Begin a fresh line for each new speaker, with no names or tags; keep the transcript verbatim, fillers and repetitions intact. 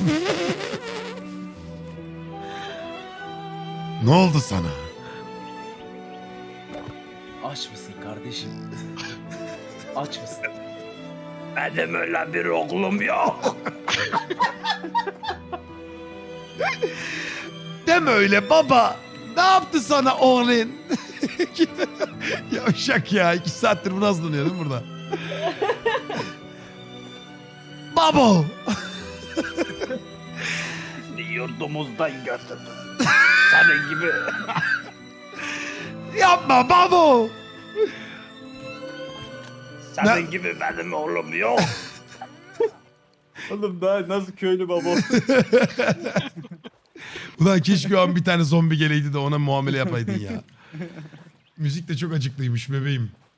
Ne oldu sana?
Aç mısın kardeşim? Aç mısın? Benim öyle bir oğlum yok.
Deme öyle baba. Ne yaptı sana oğlun? Yavşak ya. iki saattir bunu hazırlanıyor değil mi burada? Babo.
Yurdumuzdan götürdüm. Senin gibi.
Yapma babo.
Senin
Ne-
gibi benim oğlum yok.
Oğlum daha nasıl köylü baba?
Ulan keşke o an bir tane zombi geleydi de ona muamele yapaydın ya. Müzik de çok acıklıymış bebeğim.